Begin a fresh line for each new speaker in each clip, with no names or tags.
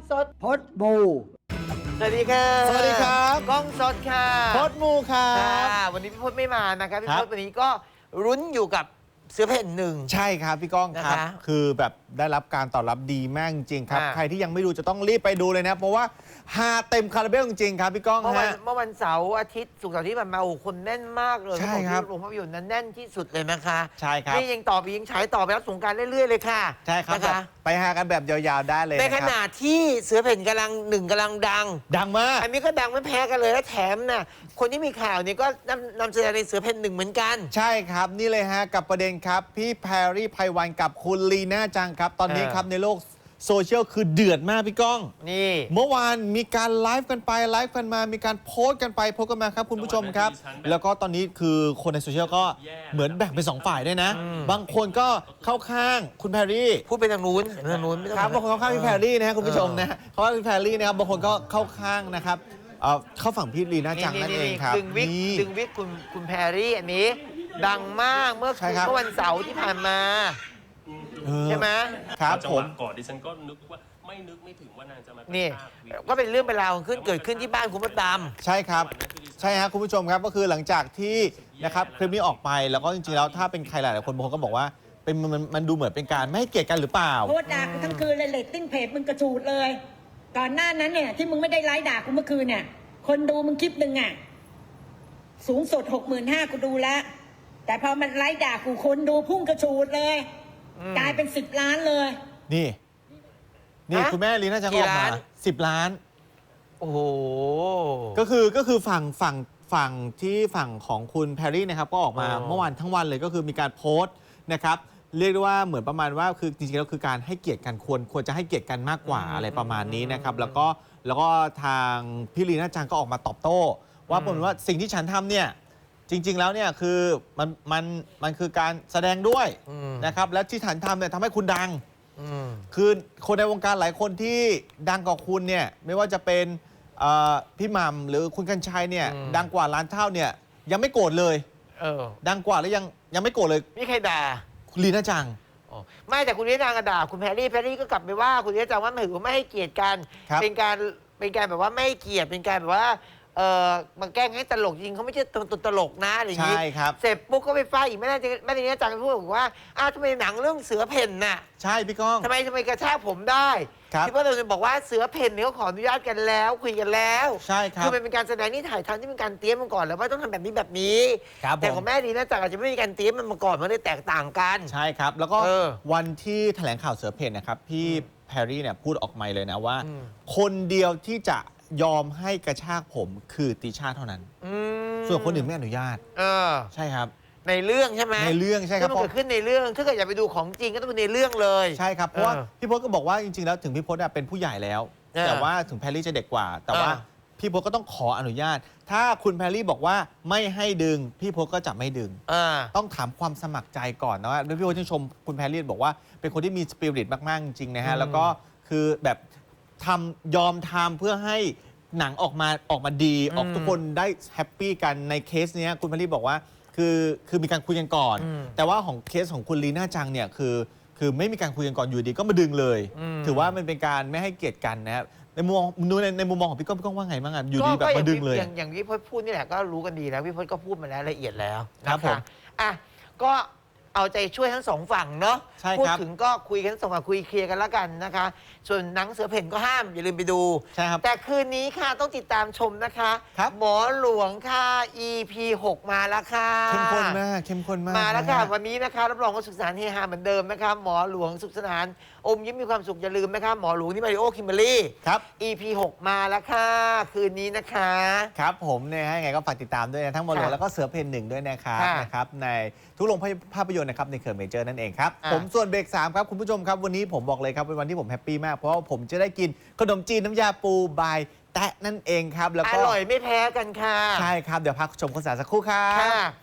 สดพดบูสวัสดีค่ะ
สวัสดีครับ
กล้องสดค่ะ
พดมูครับ
วันนี้พี่พดไม่มานะครับพี่พดวันนี้ก็รุ้นอยู่กับเสือเพ่นหนึ่ง
ใช่ครับพี่ก้องครับคือแบบได้รับการตอบรับดีมากจริงครับใครที่ยังไม่ดูจะต้องรีบไปดูเลยนะเพราะว่าฮาเต็มคาราเบลจริงครับพี่ก้อง
เมื่อวันเสาร์อาทิตย์ศุกร์เสาร์ที่ผ่านมาโอ้คนแน่นมากเลย
ใช่ครับ
โรงภาพยนตร์นั้นแน่นที่สุดเลยนะคะ
ใช่ครับ
นี่ยังต่อไปยังฉายต่อไปรับสงกรานต์เรื่อยๆเลยค่ะ
ใช่ครับไปฮากันแบบยาวๆได้เลย
ในขณะที่เสือเพ่นกำลังดัง
มาก
อันนี้ก็ดังไม่แพ้กันเลยและแถมน่ะคนที่มีข่าวเนี่ยก็นำแสดงในเสือเพ่นหนึ่งเหมือนกัน
ใช่ครับนี่เลยฮะกับประเด็นครับพี่แพรรี่ไพวันกับคุณลีน่าจังครับตอนนี้ครับในโลกโซเชียลคือเดือดมากพี่ก้อง
นี่
เมื่อวานมีการไลฟ์กันไปไลฟ์กันมามีการโพสต์กันไปโพสต์กันมาครับคุณผู้ชมครับแล้วก็ตอนนี้คือคนในโซเชียลก็เหมือนแบ่งเป็น2ฝ่ายด้วยนะบางคนก็เข้าข้างคุณแพรรี่
พูดไปทางนู้น
ครับบางคนเข้าข้างพี่แพรรี่นะฮะคุณผู้ชมนะเขาว่าพี่แพรรี่นะครับบางคนก็เข้าข้างนะครับเข้าฝั่งพี่ลีน่าจังนั่นเองครับ
ดึงวิกคุณแพรรี่อันนี้ดังมากเมื่อวันเสาร์ที่ผ่านมาใช่ไหม
ครับผม
ก่อนดิฉันก็นึกว่าไม่ถึงว่านางจะมา
นี่ก็เป็นเรื่องเป็นราวเกิดขึ้นที่บ้านคุณมดดำ
ใช่ครับใช่ฮะคุณผู้ชมครับก็คือหลังจากที่นะครับคลิปนี้ออกไปแล้วก็จริงๆแล้วถ้าเป็นใครหลายๆคนบางคนก็บอกว่าเป็นมันดูเหมือนเป็นการไม่ให้เกียรติกันหรือเปล่า
โคตรด่ากูทั้งคืนเลยเรตติ้งเพจมึงกระฉูดเลยก่อนหน้านั้นเนี่ยที่มึงไม่ได้ไลฟ์ด่ากูเมื่อคืนเนี่ยคนดูมึงคลิปหนึ่งอ่ะสูงสุด65,000กูดูแล้วแต่พอมันไลฟ์ด่ากูคนดูพุ่งกระฉูดเลยกลายเป็น10 ล้านเลย
นี่คุณแม่ลีน่าจังออกมา10 ล้าน
โอ้โห
ก็คือฝั่งที่ฝั่งของคุณแพรรี่นะครับก็ออกมาเมื่อวานทั้งวันเลยก็คือมีการโพสต์นะครับเรียกได้ว่าเหมือนประมาณว่าคือจริงๆแล้วคือการให้เกียรติกันควรจะให้เกียรติกันมากกว่าอะไรประมาณนี้นะครับแล้วก็ทางพี่ลีน่าจังก็ออกมาตอบโต้ว่าผมว่าสิ่งที่ฉันทำเนี่ยจริงๆแล้วเนี่ยคือมันคือการแสดงด้วยนะครับและที่ฉันทำเนี่ยทำให้คุณดังคือคนในวงการหลายคนที่ดังกว่าคุณเนี่ยไม่ว่าจะเป็นพี่หม่ำหรือคุณกัญชัยเนี่ยดังกว่าล้านเท่าเนี่ยยังไม่โกรธเลยดังกว่าแล้วยังไม่โกรธเลย
ไม่ใครด่า
คุณลีน่าจัง
ไม่แต่คุณลีน่าจังก็ด่าคุณแพรรี่ก็กลับไปว่าคุณลีน่าจังว่าไม่ให้เกียรติกันเป็นการแบบว่าไม่ให้เกียรติเป็นการแบบว่ามาแกล้งให้ตลกจริงเขาไม่ใช่ตัวตลกนะอะไรอย่างนี้เสร็จปุ๊บก็ไปฟาดอีกไม่ได้นี้จังพูดบอกว่าทำไมหนังเรื่องเสือเพ่นน่ะ
ใช่พี่ก้อง
ทำไมกระชากผมได้ที่พ่อเราบอกว่าเสือเพ่นเนี่ยเขาขออนุญาตกันแล้วคุยกันแล้ว
ใช่ครับ
คือมันเป็นการแสดงที่ถ่ายทำที่เป็นการเตรียมมาก่อนแล้วว่าต้องทำแบบนี้แต่ของแม่ดีนะจังอาจจะไม่มีการเตรียมมันมาก่อนมันเลยแตกต่างกัน
ใช่ครับแล้วก็วันที่แถลงข่าวเสือเพ่นนะครับพี่แพรรี่เนี่ยพูดออกมาเลยนะว่าคนเดียวที่จะยอมให้กระชากผมคือติช่าเท่านั้นส่วนคนอื่นไม่อนุญาตใช่ครับ
ในเรื่องใช่ไหม
ในเรื่องใช่ครับ
มันเกิดขึ้นในเรื่องถ้าเกิดอยากไปดูของจริงก็ต้องเป็นในเรื่องเลย
ใช่ครับเพราะว่าพี่พจน์ก็บอกว่าจริงๆแล้วถึงพี่พจน์เป็นผู้ใหญ่แล้วแต่ว่าถึงแพรรี่จะเด็กกว่าแต่ว่าพี่พจน์ก็ต้องขออนุญาตถ้าคุณแพรรี่บอกว่าไม่ให้ดึงพี่พจน์ก็จะไม่ดึงต้องถามความสมัครใจก่อนนะว่าพี่พจน์ชื่นชมคุณแพรรี่บอกว่าเป็นคนที่มีสปิริตมากๆจริงๆนะฮะแล้วก็คือแบบยอมทำเพื่อให้หนังออกมาดีออกทุกคนได้แฮปปี้กันในเคสนี้คุณแพรรี่บอกว่าคือมีการคุยกันก่อนแต่ว่าของเคสของคุณลีน่าจังเนี่ยคือไม่มีการคุยกันก่อนอยู่ดีก็มาดึงเลยถือว่ามันเป็นการไม่ให้เกียรติกันนะครับในมุมมองของพี่ก้องว่าไงบ้างอยู่ดีแบบมาดึงเลย
อย่างที่พี่พจน์พูดนี่แหละก็รู้กันดีแล้วพี่พจน์ก็พูดมาแล้วละเอียดแล้ว
ครับผม
ก็เอาใจช่วยทั้งสองฝั่งเนาะ
พูด
ถึงก็คุยกันสองฝั่งคุยเคลียร์กันแล้วกันนะคะส่วนหนังเสือเพ่นก็ห้ามอย่าลืมไปดู
ใช่ครับ
แต่คืนนี้ค่ะต้องติดตามชมนะคะหมอหลวงค่ะ EP 6 มาแล้วค่ะ
เข้มข้นมาก
มาแล้วค่ะวันนี้นะคะรับรองว่าสุขสนานเฮฮาเหมือนเดิมนะคะหมอหลวงสุขสนานอมยิ้มมีความสุขอย่าลืมนะคะหมอหลวงนี่มาริโอคิมเบอรี่ EP 6 มาแล้วค่ะคืนนี้นะคะ
ครับผมเนี่ยให้ไงก็ฝากติดตามด้วยนะทั้งหมอหลวงแล้วก็เสือเพ่น1ด้วยนะครับในทุกโรงภาพยนตร์นะครับในเครือเมเจอร์นั่นเองครับผมส่วนเบรก3ครับคุณผู้ชมครับวันนี้ผมบอกเลยครับเป็นวันที่ผมแฮปปี้มากเพราะว่าผมจะได้กินขนมจีนน้ำยาปูบายแตะนั่นเองครับแล้วก็
อร่อยไม่แพ้กันค่ะ
ใช่ครับเดี๋ยวพักชมโฆษณาสักครู่ครับ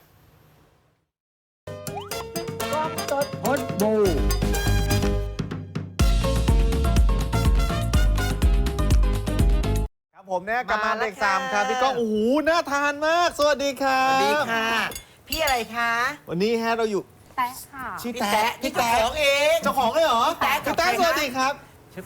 กล้องสดพดบู
ครับผมเนี่ยกลับมาเบรก3ครับพี่ก้องโอ้โหน่าทานมากสวัสดีครับ
สวัสดีค่ะพี่อะไรคะ
วันนี้ฮะเราอยู่
แตะค่ะ
พี่แตะเจ้าของเอง
เจ้าของเลยเหรอ
พี่แตะ
สวัสดีครับ
ชื่อต่อยครับ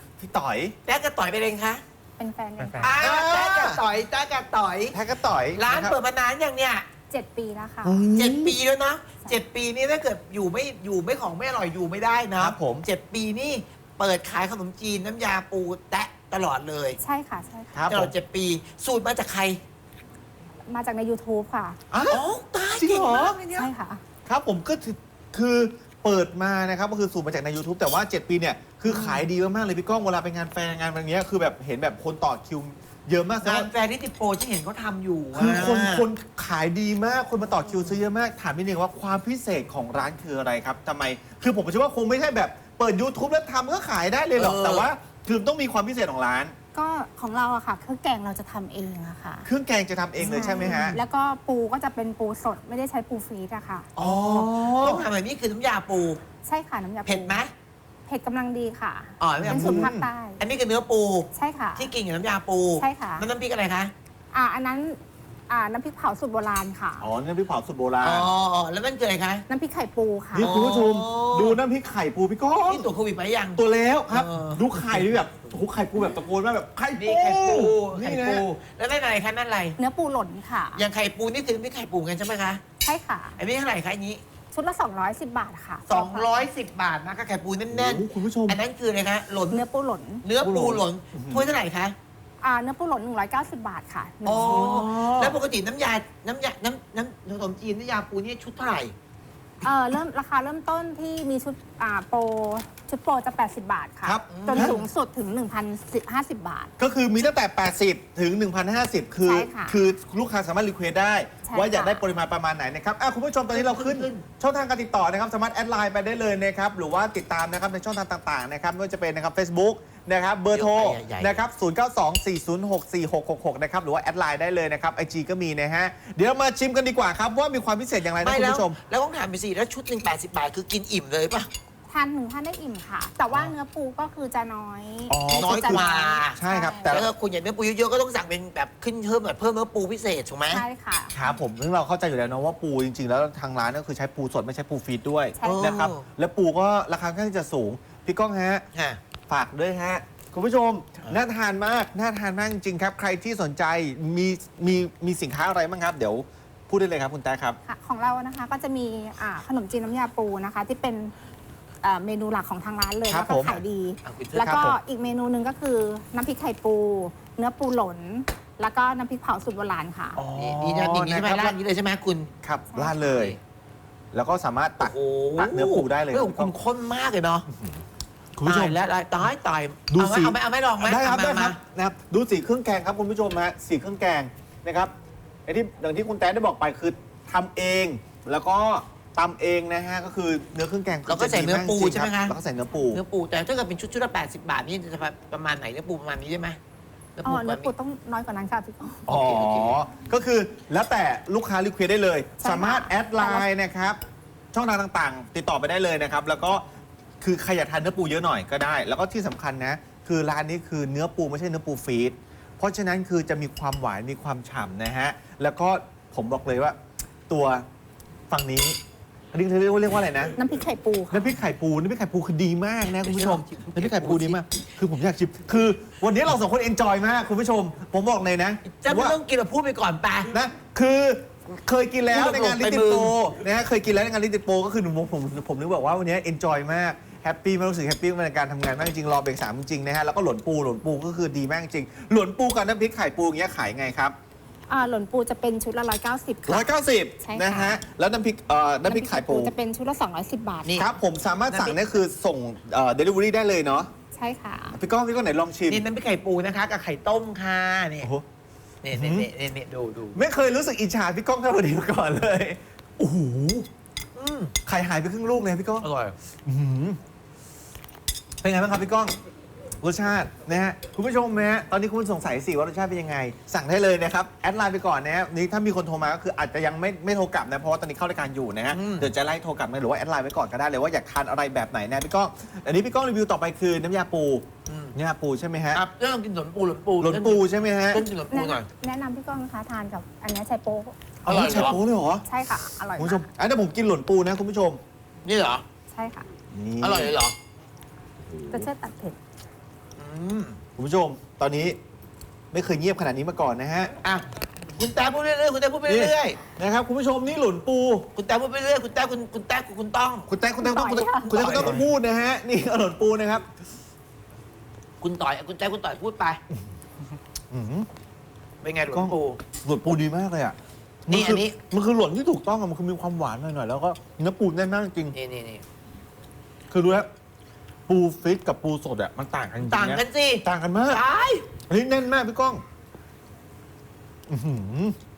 พี่ต่อย
แจ๊กกับต่อยไปเลยคะ
เป็นแฟนกัน
เป็นแฟน
ค่ะ
แจ๊กกับต่อยแจ๊กกับต่อย
แท็กก็ต่อย
ร้านะ
คบ
เปิดมานานอย่างเนี้ย
7 ปีแล้วค่ะ
7 ปีแล้วนะ7 ปีนี่ถ้าเกิดอยู่ไม่ของไม่อร่อยอยู่ไม่ได้นะครับ
ผม
7 ปีนี่เปิดขายขนมจีนน้ำยาปูแตะตลอดเลย
ใช่ค่ะ ใช่
ค
ค่ะ
รับ
ตลอด7 ปีสูตรมาจากใคร
มาจากใน YouTube ค่ะ
อ๋อ
อ๋อตาย
จริง
เก่ง
เหรอ
มากเลยเนี่ย
ใช่ค่ะ
ครับผมก็คือเปิดมานะครับก็คือสูตรมาจากใน YouTube แต่ว่า 7 ปีเนี่ยคือขายดีมากๆเลยพี่ก้องเวลาไปงานแฟร์งานแบบเนี้ยคือแบบเห็นแบบคนต่อคิวเยอะมากแสดง
งาน
ว่า
แฟร์ที่ติดโปรที่เห็นเขาทำอยู่
คือคน
อะ
คนขายดีมากคนมาต่อคิวซื้อเยอะมากถามนิดนึงว่าความพิเศษของร้านคืออะไรครับทำไมคือผมเชื่อว่าคงไม่ใช่แบบเปิด YouTube แล้วทำก็ขายได้เลยหรอกแต่ว่าคือต้องมีความพิเศษของร้าน
ก็ของเราอะค่ะเครื่องแกงเราจะทำเองอะค่ะ
เครื่องแกงจะทำเองเลยใช่ไหมฮะ
แล้วก็ปูก็จะเป็นปูสดไม่ได้ใช้ปูฟรีซอะค่ะ
อ๋อ
ต้องทำแบบนี้คือน้ำยาปู
ใช่ค่ะน้ำยาปู
เผ็ดไหม
เผ็ดกำลังดีค่ะ
อ๋อน้ำยา
เป็น
ปู
สูตรภาคใต้
อันนี้คือเนื้อปู
ใช่ค่ะ
ที่กินกับน้ำยาปู
ใช่ค่ะ
น้ำพริกอะไรคะ
อันนั้นน้ำพริกเผาสูตรโบราณค่ะ
อ๋อน้ำพริกเผาสูตรโบราณ
อ๋อแล้วมันเกิดอะไรคะ
น้ำพริกไข่ปูค่ะ
นี่คุณผู้ชม
อ๋อ
ดูน้ำพริกไข่ปูพี่ก้อง
นี่ตัวจโควิดไปยัง
ตัวแล้วครับ
เออ
ดูไข่ด้วยแบบโอ้โหไข่ปูแบบตะโกนมากแบบไข่
นี่
ปู
ไข่ปูไข่
นี่นะ
ปูแล้วนั่นอะไรคะนั่นอะไร
เนื้อปูหล่นค่ะ
อย่างไข่ปูนี่คือน้ำพริกไข่ปูกันใช่ไหมคะ
ใช่ค่ะ
อันนี้เท่าไหร่คะอันนี้
ชุดละ 210 บาทค่ะ
210 บาทนะคะไข่ปูแน่น
โอ้โหคุณผู้ชม
ๆอันนั้นคืออะไรคะหล่น
เนื้อปูหล่น
เนื้อปูหล่นถ้วยเท่าไหร่คะ
เนื้อปูหล่น190 บาทค่ะหนึ่
อ๋
ง
อ
ชุด
แล้วปกติน้ำขนมจีนน้ำยาปูนี่ชุดเท่าไหร่
ราคาเริ่มต้นที่มีชุดโปรชุดโปรจะ 80 บาทค่ะ
ครับ
จนสูงสุดถึง 1,050 บาท
ก็คือมีตั้งแต่ 80 ถึง 1,050 คือ
ใช่ค่ะ
คือลูกค้าสามารถรีเควสได้
ใช่
ว่าอยาก
ค่ะ
ได้ปริมาณประมาณไหนนะครับคุณผู้ชมตอนนี้เราขึ้น ช่องทางการติดต่อนะครับสามารถแอดไลน์ไปได้เลยนะครับหรือว่าติดตามนะครับในช่องทางต่างๆนะครับไม่ว่าจะเป็นนะครับ Facebook นะครับเบอร์โทร
ใหญ่ๆ
นะครับ0924064666นะครับหรือว่าแอดไลน์ได้เลยนะครับ IG ก็มีนะฮะเดี๋ยวเรามาชิมกันดีกว่าครับว่ามีความพิเศษอย่างไรนะ
ไม่
คุณ
แล้ว
ผู้ชม
แล้วต้องถามไปสิแล้วชุดหนึ่ง80 บาทคือกินอิ่มเลยป่ะ
ทาน1 ท่านได้อิ่มค่ะ แต่ว่าเนื้อปูก็คือจะน้อย
อ๋อ
น้อยกว่า
ใช่ครับแต่
แล้วก็คุณอยากเนื้อปูเยอะๆก็ต้องสั่งเป็นแบบขึ้นเพิ่มแบบเพิ่มเนื้อปูพิเศษถูกไหม
ใช่ค่ะ
ครับผมซึ่งเราเข้าใจอยู่แล้วนะว่าปูจริงๆ แล้วทางร้านก็คือใช้ปูสดไม่ใช่ปูฟีดด้วย
ใช่ค่ะ
นะครับและปูก็ราคาค่อนข้างที่จะสูงพี่ก้องฮะ
ฮะ
ฝากด้วยฮะ คุณผู้ชม น่าทานมาก น่าทานมากจริงๆครับ ใครที่สนใจมีสินค้าอะไรบ้างครับ เดี๋ยวพูดได้เลยครับคุณแต้ครับ
ค่ะของเรานะคะก็จะมีขนมจีนน้ำยาปูนะคะ ที่เป็นเมนูหลักของทางร้านเลย
ครั
แล้
บ
วก็
ผม
ขายดี
เอาคุณเถอะ
แล้วก็
ครับผม
อีกเมนูหนึ่งก็คือน้ำพริกไข่ปู เนื้อปูหล่นแล้วก็น้ำพริกเผาสูตรโบราณค่ะ
นี่นะอย่างนี้ใช่ไหม
นะครับ
ร้านนี้เลยใช่ไหมคุณ
ครับราดเลย แล้วก็สามารถตัก
โอ้โห
ตักเนื้อปูได้เลย
เรื่องคุณข้นมากเลยเนาะ
คุณผู้ช
ตาม ยแล้วตาย
ดู
เอาไหม
สิ
เอาไหมลองไหม
ได้ครับ
เอา
ได้
มา
ครับนะครับดูสีเครื่องแกงครับคุณผู้ชมฮะสีเครื่องแกงนะครับไอ้ที่อย่างที่คุณแต้ได้บอกไปคือทำเอง แล้วก็ตำเองนะฮะก็คือเนื้อเครื่องแกง
เราก็ใส่เนื้อปูใช่ไหมคะ
แล้วก็ใส่เนื้อปู
เนื้อปูแต่ถ้าเกิดเป็นชุดละ80 บาทนี่จะประมาณไหนเนื้อปูประมาณนี้ได้ไหมเนื้อ
อ๋
ปู
อ
ประ
เนื้
มา
อ
ณ
ปู
นี้
ต้องน้อยกว่านั้นค่ะพี่ก้อง
อ๋อ
โอเค
ก็คือแล้วแต่ลูกค้ารีเควสได้เลย
ใช่ค่ะ
สามารถแอดไลน์นะครับ ช่องทางต่างๆ ติดต่อไปได้เลยนะครับ แล้วก็คือใครอยากทานเนื้อปูเยอะหน่อยก็ได้ แล้วก็ที่สำคัญนะ คือร้านนี้คือเนื้อปูไม่ใช่เนื้อปูฟีดเพราะฉะนั้นคือจะมีความหวานมีความฉ่ำนะฮะ แล้วก็ผมบอกเลยว่าตัวฝั่งนี้เรียกว่าอะไรนะ
น้ำพริกไข่ปูค่ะ
น้ำพริกไข่ปูคือดีมากนะคุณผู้ชมน้ำพริกไข่ปูดีมาก คือผมอยากชิมคือวันนี้เราสองคนเอนจอยมากคุณผู้ชม ผมบอกเลยนะ
จะไม่ต้องกินแบบพูดไปก่อนไป
นะคือเคยกินแล้ว
พูด
ใน
ตรงๆ
งานลิติ
ไปมึง
โปนะฮะเคยกินแล้วในงานลิติโปก็คือผมนึกบอกว่าวันนี้เอนจอยมากแฮปปี้มากรู้สึกแฮปปี้ในการทำงานมากจริงรอเบรก3จริงๆนะฮะแล้วก็หลนปูก็คือดีมากจริงหลนปูกับน้ำพริกไข่ปูอย่างเงี้ยขายไงครับ
หล่นปูจะเป็นชุดละ190ค่ะ ใช่ค่ะ
190นะฮะแล้วน้ำพริกไข่ปู
จะเป็นชุดละ210 บาท
นี่
ครับผมสามารถสั่งเนี่ยคือส่งเดลิเวอรี่ได้เลยเนาะ
ใช่ค่ะ
พี่ก้องไหนลองชิม
นี่น้ำพริกไข่ปูนะคะกับไข่ต้มค่ะนี่
โอ้โห
นี่ดู
ไม่เคยรู้สึกอิจฉาพี่ก้องเท่านี้มาก่อนเลยโอ้โหไข่หายไปครึ่งลูกเลยพี่ก้อง
อร่อย
อื้อหือเป็นไงบ้างครับพี่ก้องรสชาตินะฮะคุณผู้ชมนะฮะตอนนี้คุณสงสัยสิว่ารสชาติเป็นยังไง สั่งได้เลยนะครับแอดไลน์ไปก่อนนะฮะนี่ถ้ามีคนโทรมาก็คืออาจจะยังไม่โทรกลับนะเพราะว่าตอนนี้เข้ารายการอยู่นะฮะเดี๋ยวจะไล่โทรกลับมาหรือว่าแอดไลน์ไว้ก่อนก็ได้เลยว่าอยากทานอะไรแบบไหนนะพี่ก้องอันนี้พี่ก้องรีวิวต่อไปคือน้ำยาปูน้ำยาปูใช่ไหมฮะ
ครับเรื่องกินหลนปู
หลนปูใช่ไหมฮะ
ต้องกินหลนปูหน่อย
แนะนำพี่ก้องนะคะทานกับอันนี้ไชโป๊
อร่อยเหรอ
ใช่ปูเลยเหรอ
ใช่ค่ะ อร่อย
คุณ
มา
ผู้ชม
ก
อันนี้ผมกินหลนปูนะคุณผู้ชม
นี่เหรอ
ใช่ค่ะ
นี่
อร่อยเลยเหรอ
จะเชื่อตัดเผ็ด
คุณผู้ชมตอนนี้ไม่เคยเงียบขนาดนี้มาก่อนนะฮะ
อ่ะคุณตาพูดเรื่อยๆคุณตาพูดไปเรื่อย
นะครับคุณผู้ชมนี่หลุนปู
ๆคุณตาพูดไปเรื่อยๆคุณตาคุณตาคุณต้อง
คุณแต๊กต้องพูดนะฮะนี่หลุนปูนะครับ
คุณต่อยคุณตาพูดไป
อื้อหือ
เป็นไงหลวงปู่
หลุนปูดีมากเลยอ่ะ
นี่
มัคื
อันนี้
มันคือหลุนที่ถูกต้องอะมันคือมีความหวานหน่อยๆแล้วก็เนื้อปูแน่นมากจริง
นี่
คือรู้แล้วปูฟิตกับปูสดอ่ะมันต่างกันจริงๆะ
ต่างกันสิ
ต่างกันมาก
ตาย
อันนี้แน่นมากพี่ก้องอื้อหือ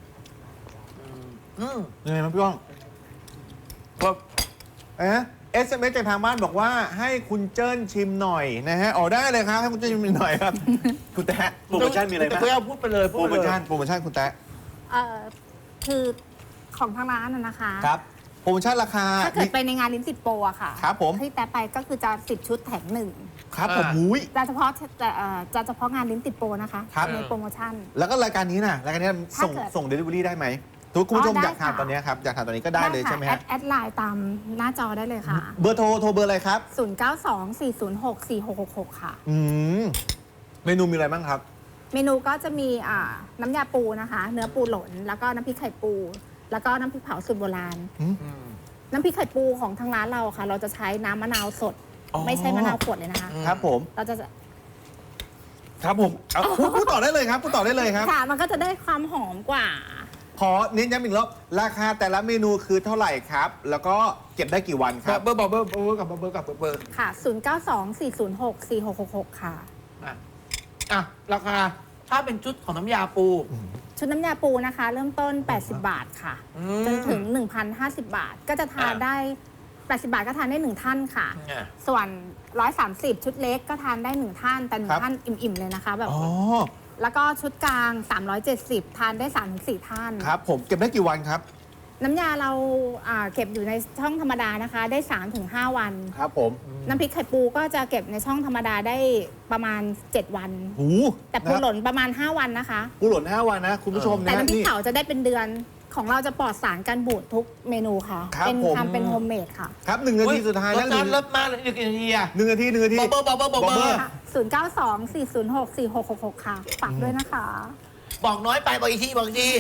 อืม
ยังไงมั้ยพี่ก้อง
ครับ
SMS จากทางบ้านบอกว่าให้คุณเจิ้นชิมหน่อยนะฮะอ๋อได้เลยครับให้คุณเจิ้นชิมหน่อยครับ คุณแต๊ะโปรโมชั่นมีอะไรบ้าง
คุณเอาพูดไปเลย
โปรโมชั่นคุณแต๊ะ
คือของทางร้านนะคะ
ครับโปรโมชั่นราคา
ถ้าเกิดไปในงานลิ้นติดโปรอะค่ะ
ครับผม
ที่แต่ไปก็คือจะ10 ชุดแถมหนึ่ง
ครับผมมุ้ย
จะเฉพาะงานลิ้นติดโปรนะคะ
ครับ
ในโปรโมชั่น
แล้วก็รายการนี้นะรายการนี้ส่ง
ถ้าเกิด
ส่งเดลิเวอรี่ได้ไหมทุกคุณผู้ชม
ได้
อยากทาน
ค่ะ
ตอนนี้ครับอยากทานตอนนี้ก็ได้เลย
ค่ะ
ใช่ไหมฮะ
แอดไลน์ตามหน้าจอได้เลยค่ะ
เบอร์โทรเบอร์อะไรครับ
0924064666 ค่ะ
อืมเมนูมีอะไรบ้างครับ
เมนูก็จะมีน้ำยาปูนะคะ เนื้อปูหล่นแล้วก็น้ำพริกไข่ปู แล้วก็น้ำพริกเผาสูตรโบราณ น้ำพริกไข่ปูของทางร้านเราค่ะ เราจะใช้น้ำมะนาวสด
อ๋อ
ไม่ใช่มะนาวขวดเลยนะคะ
ครับผม
เราจะ
ครับผมเอาพูดต่อได้เลยครับพูดต่อได้เลยครับ
ค่ะมันก็จะได้ความหอมกว่า
ขอเน้นย้ำอีกรอบราคาแต่ละเมนูคือเท่าไหร่ครับ แล้วก็เก็บได้กี่วันครับ
เบอร์บอกเบอร์กับเบอร์กับเบอร์
ค่ะ 0924064666 ค่ะ
อ่ะราคาถ้าเป็นชุดของน้ำยาปู
ชุดน้ำยาปูนะคะ เริ่มต้น 80 บาทค่ะ จนถึง 1,050 บาท ก็จะทานได้ 80 บาทก็ทานได้ 1 ท่านค่ะ ส่วน 130 ชุดเล็กก็ทานได้ 1 ท่าน แต่
ครับ
1 ท่านอิ่ม ๆ เลยนะคะแบบ
อ๋อ
แล้วก็ชุดกลาง 370 ทานได้ 3-4 ท่าน
ครับผมเก็บได้กี่วันครับ
น้ำยาเราเก็บอยู่ในช่องธรรมดานะคะ ได้ 3-5 วัน
ครับผม
น้ำพริกไข่ปูก็จะเก็บในช่องธรรมดาได้ประมาณ 7 วัน
หู
แต่ปูหล่นประมาณ 5 วันนะคะ
ปูหล่น5 วันนะคุณผู้ชม
แต่
นะ
น้ำพริก
นี่
เผาจะได้เป็นเดือนของเราจะปลอดสารกันบูดทุกเมนูค่ะ
ครับ
เป็น
ผม
ทำเป็นโฮมเมดค่ะ
ครับ1 นาทีสุดท้าย
ร
แล้ว
สชาติเลิศมากเลยอีกกี่นาทีอ่ะ
1 นาที1 นาที
บอกเบอร์
ค่ะ0924064666 ค่ะ ฝากด้วยนะคะ
บอกน้อยไปบอกอีกทีบอกอีกที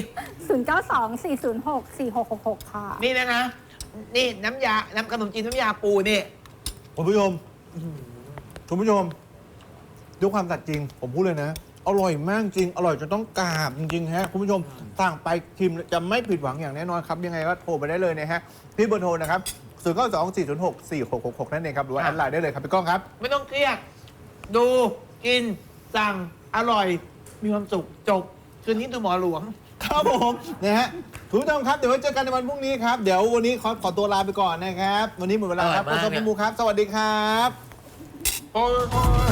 0924064666 ค่ะ
นี่นะนี่น้ำขนมจีนน้ำยาปูนี่
คุณผู้ชมคุณผู้ชมด้วยความสัตย์จริง ผมพูดเลยนะ อร่อยมากจริง อร่อยจนต้องกราบจริงๆฮะคุณผู้ชมสั่งไปชิมจะไม่ผิดหวังอย่างแน่นอนครับ ยังไงก็โทรไปได้เลยนะฮะพี่เบอร์โทรนะครับ0924064666นั่นเองครับหรือว่าแอดไลน์ได้เลยครับพี่ก้องครับ
ไม่ต้องเครียดดูกินสั่งอร่อย มีความสุขจบคืนนี้ดูหมอหลวง
ครับผมนะฮะคุณผู้ชมครับเดี๋ยวไว้เจอกันในวันพรุ่งนี้ครับเดี๋ยววันนี้ขอตัวลาไปก่อนนะครับ วันนี้หมดเวลาครับ
อร่อยมาก
ขอบคุณพี่มูครับ สวัสดีครับ
โอ้ย